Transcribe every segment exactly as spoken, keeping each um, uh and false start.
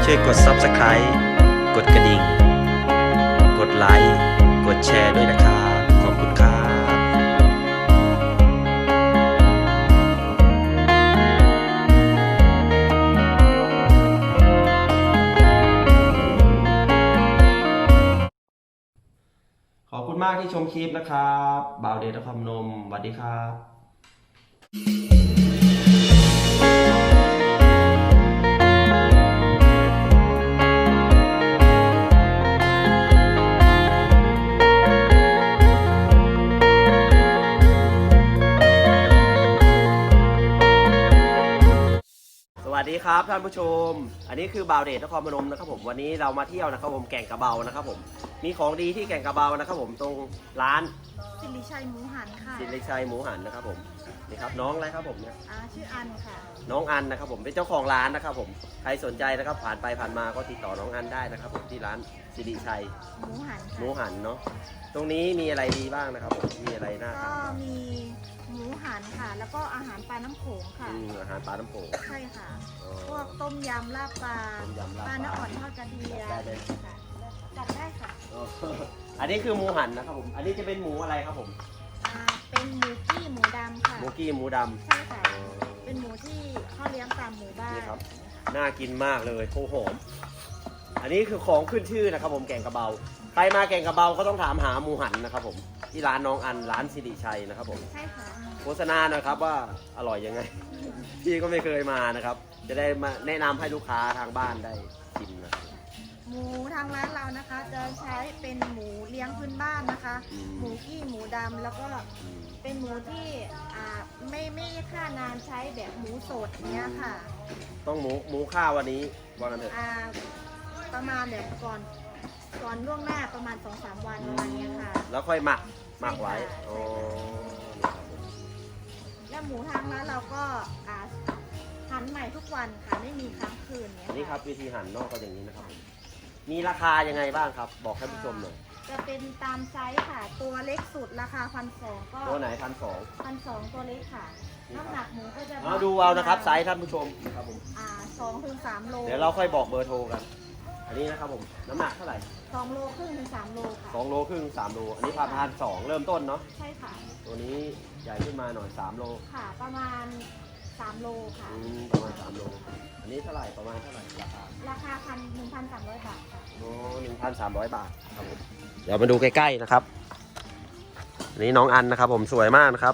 ช่วยกด ซับสไครบ์ กดกระดิ่งกดไลค์กดแชร์ด้วยนะครับขอบคุณครับขอบคุณมากที่ชมคลิปนะครับบ่าวเดชนครพนมสวัสดีครับสวัสดีครับท่านผู้ชมอันนี้คือบ่าวเดชนครพนมนะครับผมวันนี้เรามาเที่ยวนะครับผมแก่งกระเบานะครับผมมีของดีที่แก่งกระเบานะครับผมตรงร้านสิริชัยหมูหันค่ะสิริชัยหมูหันนะครับผมนี่ครับน้องอะไรครับผมเนี่ยอ่าชื่ออันค่ะน้องอันนะครับผมเป็นเจ้าของร้านนะครับผมใครสนใจนะครับผ่านไปผ่านมาก็ติดต่อน้องอันได้นะครับผมที่ร้านสิริชัยหมูหันหมูหันเนาะตรงนี้มีอะไรดีบ้างนะครับผมมีอะไรน่าทานก็มีหมูหันค่ะแล้วก็อาหารปลาน้ำโขงค่ะอาหารปลาน้ำโขงใช่ค่ะพวกต้มยำลาบปลาปลาเนื้ออ่อนทอดกระเทียมค่ะจัดได้ค่ะอันนี้คือหมูหันนะครับผมอันนี้จะเป็นหมูอะไรครับผมอ่าเป็นหมูกี้หมูดำค่ะหมูกี้หมูดำใช่ค่ะเป็นหมูที่เขาเลี้ยงตามหมู่บ้านนี่ครับน่ากินมากเลยโอ้โหอันนี้คือของขึ้นชื่อนะครับผมแก่งกระเบาใครมาแก่งกระเบาก็ต้องถามหาหมูหันนะครับผมที่ร้านน้องอันร้านสิริชัยนะครับผมใช่ค่ะโฆษณาหน่อยครับว่าอร่อยยังไงพี่ก็ไม่เคยมานะครับจะได้มาแนะนำให้ลูกค้าทางบ้านได้ชิมนะหมูทางร้านเรานะคะจะใช้เป็นหมูเลี้ยงพื้นบ้านนะคะหมูกี้หมูดำแล้วก็เป็นหมูที่อ่าไม่ไม่ฆ่านานใช้แบบหมูสดเนี้ยค่ะต้องหมูหมูข้าววันนี้วันนั้นเถอะอ่าประมาณแบบก่อนก่อนล่วงหน้าประมาณ สองถึงสาม วันประมาณนี้ค่ะแล้วค่อยหมักหมักไว้อ๋อแล้วหมูทางร้านเราก็อ่าหั่นใหม่ทุกวันค่ะไม่มีค้างคืนเนี้ยนี่ครับวิธีหั่นนอกก็อย่างนี้นะครับมีราคายังไงบ้างครับบอกท่านผู้ชมหน่อยจะเป็นตามไซส์ค่ะตัวเล็กสุดราคาพันสองก็ตัวไหนพันสองพันสองตัวเล็กค่ะน้ำหนักหมูก็จะมาดูเอานะครับไซส์ท่านผู้ชมครับผมอ่าสองถึงสามโลเดี๋ยวเราค่อยบอกเบอร์โทรกันอันนี้นะครับผมน้ำหนักเท่าไหร่สองโลครึ่งถึงสามโลค่ะสองโลครึ่งสามโลอันนี้พันพันสองเริ่มต้นเนาะใช่ค่ะตัวนี้ใหญ่ขึ้นมาหน่อยสามโลค่ะประมาณสามโลค่ะประมาณสามโลอันนี้เท่าไหร่ประมาณเท่าไหร่ราคาราคาพันหนึ่งพันสามร้อยบาทค่ะโอ้หนึ่งพันสามร้อยบาทครับผมเดี๋ยวมาดูใกล้ๆนะครับอันนี้น้องอันนะครับผมสวยมากนะครับ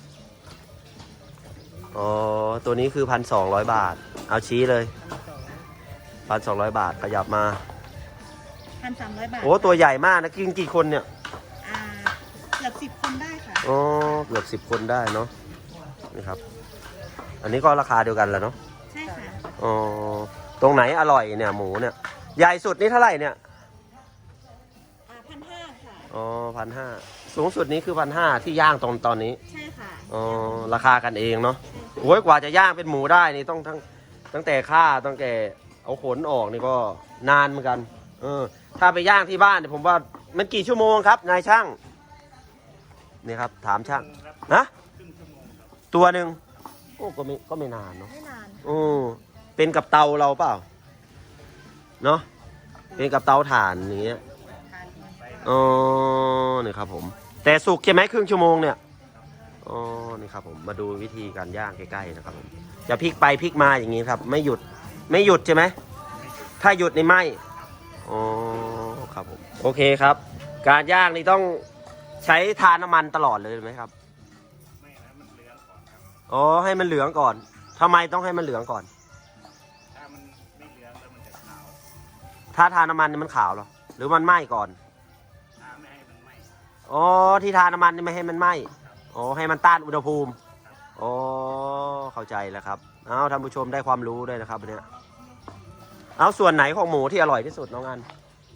อ๋อตัวนี้คือพันสองร้อยบาทเอาชี้เลยพันสองร้อยบาทขยับมาพันสามร้อยบาทโอ้ตัวใหญ่มากนะกินกี่คนเนี่ยอ่าเกือบสิบคนได้ค่ะอ๋อเกือบสิบคนได้เนาะนี่ครับอันนี้ก็ราคาเดียวกันแหละเนาะใช่ค่ะอ๋อตรงไหนอร่อยเนี่ยหมูเนี่ยใหญ่สุดนี่เท่าไหร่เนี่ยอ่าพันห้าค่ะอ๋อพันห้าสูงสุดนี้คือพันห้าที่ย่างตอนตอนนี้ใช่ค่ะอ๋อราคากันเองเนาะโอ้ยกว่าจะย่างเป็นหมูได้นี่ต้องทั้งตั้งแต่ฆ่าตั้งแต่เอาขนออกนี่ก็นานเหมือนกันเออถ้าไปย่างที่บ้านเนี่ยผมว่ามันกี่ชั่วโมงครับนายช่างนี่ครับถามช่างนะตัวหนึ่งโอ้ก็ไม่ก็ไม่นานเนาะไม่นานโอ้เป็นกับเตาเราเปล่าเนาะเป็นกับเตาถ่านอย่างเงี้ยอ๋อนี่ครับผมแต่สุกใช่ไหมครึ่งชั่วโมงเนี่ยอ๋อนี่ครับผมมาดูวิธีการย่างใกล้ๆนะครับผมจะพลิกไปพลิกมาอย่างงี้ครับไม่หยุดไม่หยุดใช่ไหมถ้าหยุดในไหมอ๋อครับผมโอเคครับการย่างนี่ต้องใช้ทานน้ำมันตลอดเลยไหมครับไม่ให้มันเหลืองก่อนครับอ๋อให้มันเหลืองก่อนทำไมต้องให้มันเหลืองก่อนถ้ามันไม่เหลืองแล้วมันจะขาวถ้าทานน้ำมันนี่มันขาวหรอหรือมันไหม้ก่อนถ้าไม่ให้มันไหม้อ๋อที่ทานน้ำมันนี่ไม่ให้มันไหม้อ๋อให้มันต้านอุณหภูมิอ๋อเข้าใจแล้วครับเอาท่านผู้ชมได้ความรู้ด้วยนะครับเนี่ยเอาส่วนไหนของหมูที่อร่อยที่สุดน้องอัน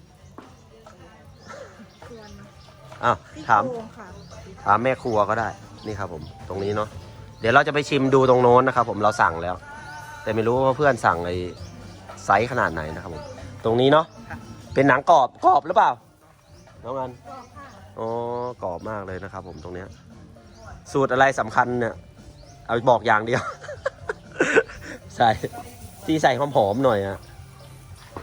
ส่วนอ้าวถามถามแม่ครัวก็ได้นี่ครับผมตรงนี้เนาะเดี๋ยวเราจะไปชิมดูตรงโน้นนะครับผมเราสั่งแล้วแต่ไม่รู้ว่าเพื่อนสั่งไอ้ไซส์ขนาดไหนนะครับผมตรงนี้เนาะเป็นหนังกรอบกรอบหรือเปล่าน้องอันอ๋อกรอบมากเลยนะครับผมตรงเนี้ยสูตรอะไรสำคัญเนี่ยเอาบอกอย่างเดียวใส่ที่ใส่หอมๆหน่อยอะ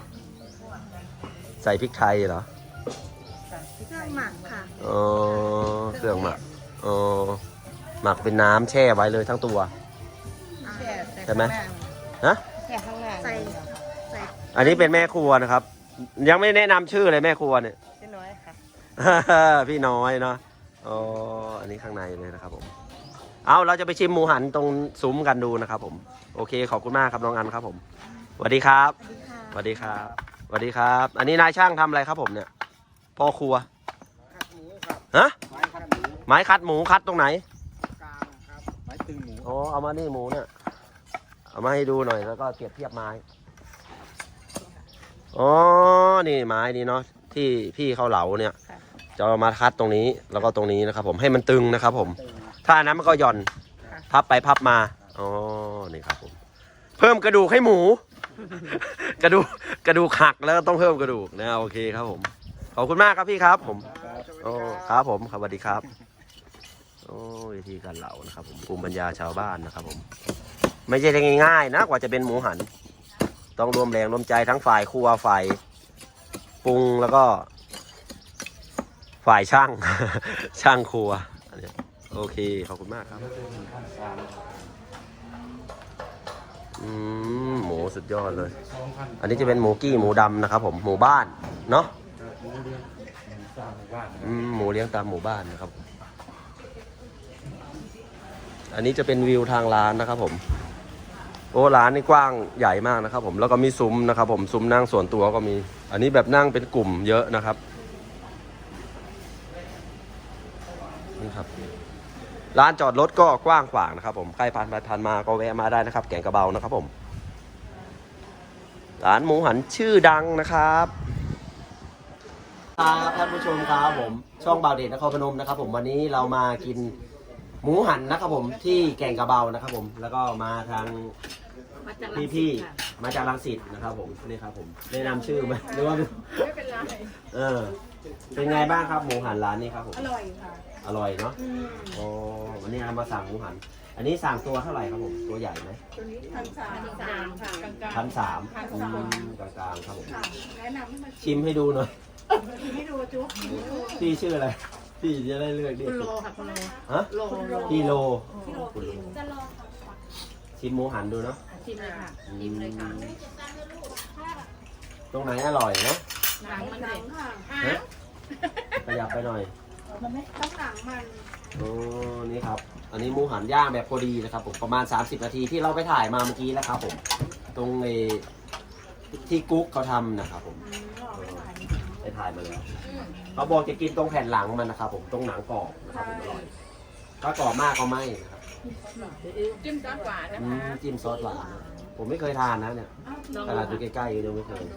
ใส่พริกไทยเหรอเครื่องหมักค่ะอ๋อเครื่องหมักอ๋อหมักเป็นน้ำแช่ไว้เลยทั้งตัว ใช่ไหม ฮะแค่ข้างล่างใส่ใส่อันนี้เป็นแม่ครัวนะครับ ยังไม่แนะนำชื่อเลยแม่ครัวเนี่ยพี่น้อยค่ะพี่น้อยเนาะอ๋ออันนี้ข้างในเลยนะครับผม เอาเราจะไปชิมหมูหันตรงซุ้มกันดูนะครับผม โอเคขอบคุณมากครับน้องอันครับผมสวัสดีครับสวัสดีค่ะสวัสดีครับ สวัสดีครับ อันนี้นายช่างทำอะไรครับผมเนี่ย พ่อครัวคัดหมูครับฮะไม้คัดหมูไม้คัดหมูคัดตรงไหนกลางครับไม้ตึงหมูอ๋อเอามานี่หมูเนี่ย เอามาให้ดูหน่อยแล้วก็เปรียบเทียบไม้ อ๋อ นี่ไม้นี่เนาะที่พี่เขาเหลาเนี่ย จะเอามาคัดตรงนี้แล้วก็ตรงนี้นะครับผมให้มันตึงนะครับผมตึงถ้าอันนั้นมันก็หย่อน พับไปพับมา อ๋อ นี่ครับผม เพิ่มกระดูกให้หมู กระดูกกระดูกหักแล้วก็ต้องเพิ่มกระดูกนะโอเคครับผม ขอบคุณมากครับพี่ครับผมครับโอ้ครับผมครับสวัสดีครับ โอ้วิธีการเหลานะครับผมภูมิปัญญาชาวบ้านนะครับผม ไม่ใช่ง่ายๆนะกว่าจะเป็นหมูหัน ต้องรวมแรงรวมใจทั้งฝ่ายครัวฝ่ายปรุงแล้วก็ ฝ่ายช่าง ช่างครัวอันนี้โอเคขอบคุณมากครับอืมหมูสุดยอดเลย อันนี้จะเป็นหมูกี้หมูดำนะครับผมหมู่บ้านเนาะอืมหมูเลี้ยงตามหมู่บ้านนะครับ อันนี้จะเป็นวิวทางร้านนะครับผมโอ้ร้านนี่กว้างใหญ่มากนะครับผมแล้วก็มีซุ้มนะครับผมซุ้มนั่งส่วนตัวก็มี อันนี้แบบนั่งเป็นกลุ่มเยอะนะครับนี่ครับร้านจอดรถก็กว้างขวางนะครับผมใครผ่านไปผ่านมาก็แวะมาได้นะครับแก่งกระเบานะครับผมร้านหมูหันชื่อดังนะครับครับท่านผู้ชมครับผมช่องบ่าวเดชนครพนมนะครับผมวันนี้เรามากินหมูหันนะครับผมที่แก่งกระเบานะครับผมแล้วก็มาทางพี่พี่ๆมาจากรังสิตนะครับผมนี่ครับผมได้นำชื่อไหมหรือว่าไม่เป็นไรเออเป็นไงบ้างครับหมูหันร้านนี้ครับผมอร่อยค่ะอร่อยเนาะโอ้วันนี้เรามาสั่งหมูหัน อันนี้สั่งตัวเท่าไหร่ครับผมตัวใหญ่ไหมตัวนี้พันสามสามค่ะกลางๆพันสามพันอืสามมกลางๆครับผมค่ะแนะนำให้มาชิมให้ดูหน่อยชิมให้ดูจุ๊บชิมให้ดูพี่ชื่ออะไรพี่จะได้เลือกดีคุณโลค่ะคุณโลฮะโลโลพี่โลพี่โลคุณโลจะรอชิมหมูหันดูเนาะชิมเลยค่ะชิมเลยค่ะตรงไหนอร่อยเนาะหนังมันเด็ดฮะขยับไปหน่อยมันไม่ต้องหนังมันโอ้นี่ครับ อันนี้หมูหันย่างแบบพอดีนะครับผมประมาณสามสิบนาทีที่เราไปถ่ายมาเมื่อกี้แล้วครับผม ตรงไอ้ที่กุ๊กเขาทำนะครับผมไปถ่ายมาแล้วเขาบอกจะกินตรงแผ่นหลังมันนะครับผมตรงหนังกรอบนะครับผมอร่อยถ้ากรอบมากก็ไม่นะครับจิ้มซอสหวานนะอืคะมจิ้มซอสหวานผมไม่เคยทานนะเนี่ยขนาดอยู่ใกล้ๆยังไม่เคย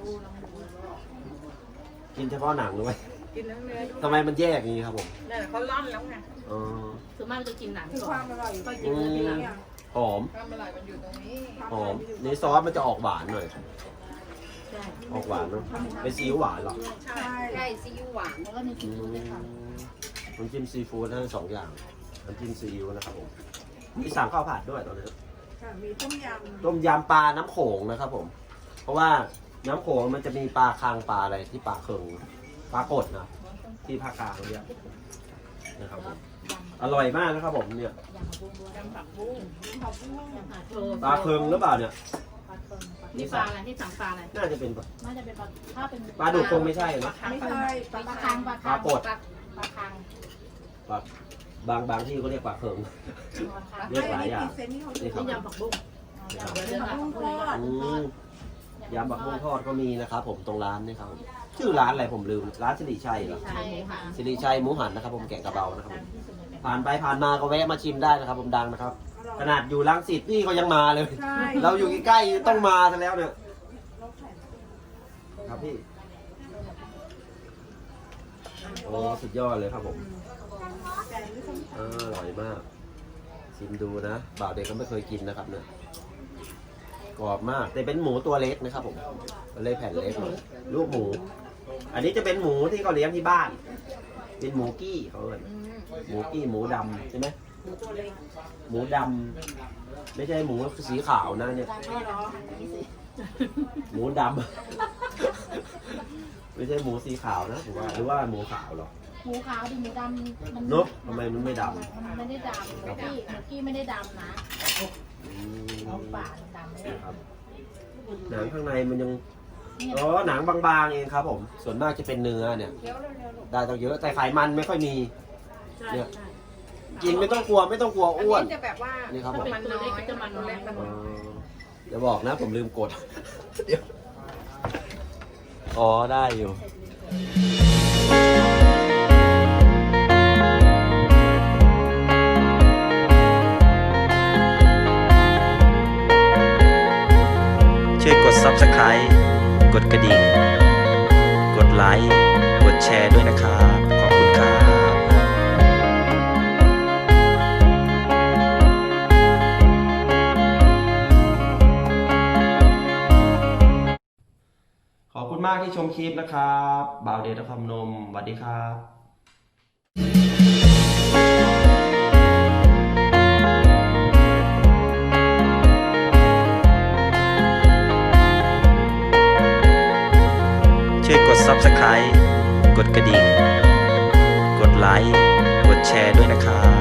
กินเฉพาะหนังด้วยกินเนื้อเนื้อทำไมมันแยกอย่างนี้ครับผมนั่นเขาล่อนแล้วไงอ๋อส่วนมากจะกินหนังคือก่คอวาน มอร่อยก็กินเนื้อทีหลังหอมความอร่อยมันอยู่ตรงนี้หอมนี่ซอสมันจะออกหวานหน่อยใช่ออกหวานเนอะเป็นซีอิ๊วหวานเหรอใช่ใช่ซีอิ๊วหวานแล้วก็มีซีอือิ๊วด้วยค่ะมน้ำจิ้มซีฟู้ดทั้งสองอย่างน้ำจิ้มซีอิ๊วนะครับผมมีสั่งข้าวผัดด้วยตอนนี้ค่ะมีต้มยำต้มยำปลาน้ำโขงนะครับผม เพราะว่าน้ำโขงมันจะมีปลาคางปลาอะไรที่ปลาเคิงปลากดนะที่ภาคกลางเขาเรียกนะครับผมอร่อยมากนะครับผมเนี่ยยำผักบุ้งด้วยยำผักบุ้งยำผักโชว์ปลาเคิงหรือเปล่าเนี่ยปลาเคิงนี่ปลาอะไรที่สั่งปลาอะไรน่าจะเป็นปลาน่าจะเป็นปลาถ้าเป็นปลาดุกคงไม่ใช่ปลานะคังไม่ใช่ปลาคังปลาคังปลากดปลาคังปลาบางบางที่เขาเรียกปลาเคิง เรียกหลายอย่างเซนนี่เขานี่ครับนี่ยำผักบุ้งนี่ครับเดี๋ยวเดี๋ยวผักบุ้งทอดอืมยำบักม่วงทอดก็มีนะครับผมตรงร้านนี่ครับชื่อร้านอะไรผมลืมร้านสิริชัยเหรอใช่ค่ะสิริชัยหมูหันนะครับผมแกงกระเบานะครับผมผ่านไปผ่านมาก็แวะมาชิมได้นะครับผมดังนะครับ ขนาดอยู่รังสิตนี่ก็ยังมาเลยใช่เราอยู่ใกล้ๆต้องมาซะแล้วเนี่ยครับพี่โอ้สุดยอดเลยครับผมเอออร่อยมากชิมดูนะบ่าวเด็กก็ไม่เคยกินนะครับเนี่ยกรอบมากแต่เป็นหมูตัวเล็กนะครับผมเลยแผ่นเล็กหน่อยลูกหมู อันนี้จะเป็นหมูที่เขาเลี้ยงที่บ้าน เป็นหมูกี้เขาเรียกหมูกี้หมูดำใช่ไหมหมูดำไม่ใช่หมูสีขาวนะเนี่ยหมูดำไม่ใช่หมูสีขาวนะผมว่าหรือว่าหมูขาวหรอหมูขาวดิหมูดำมันเนอะทำไมมันไม่ดำมันไม่ได้ดำหมูกี้หมูกี้ไม่ได้ดำนะอืมเอาป่าดำไม่ได้ครับหนังข้างในมันยังเนี่ยอ๋อหนังบางๆเองครับผมส่วนมากจะเป็นเนื้อเนี่ยเดี๋ยวเร็วๆลูกได้ต้องเยอะแต่ไขมันไม่ค่อยมีใช่เนี่ยใช่กินไม่ต้องกลัวไม่ต้องกลัวอันอ้วนนี้จะแบบว่านี่ครับผมมันน้อยตัวเล็กมันอ๋น้ออยอย่าบอกนะผมลืมกด เดี๋ยวอ๋อได้อยู่ ช่วยกด ซับสไครบ์ กดกระดิ่ง กดไลค์ กดแชร์ด้วยนะครับ ขอบคุณครับ ขอบคุณมากที่ชมคลิปนะครับบ่าวเดชนครพนมสวัสดีครับ ช่วยกด ซับสไครบ์ กดกระดิ่ง กดไลค์ กดแชร์ด้วยนะครับ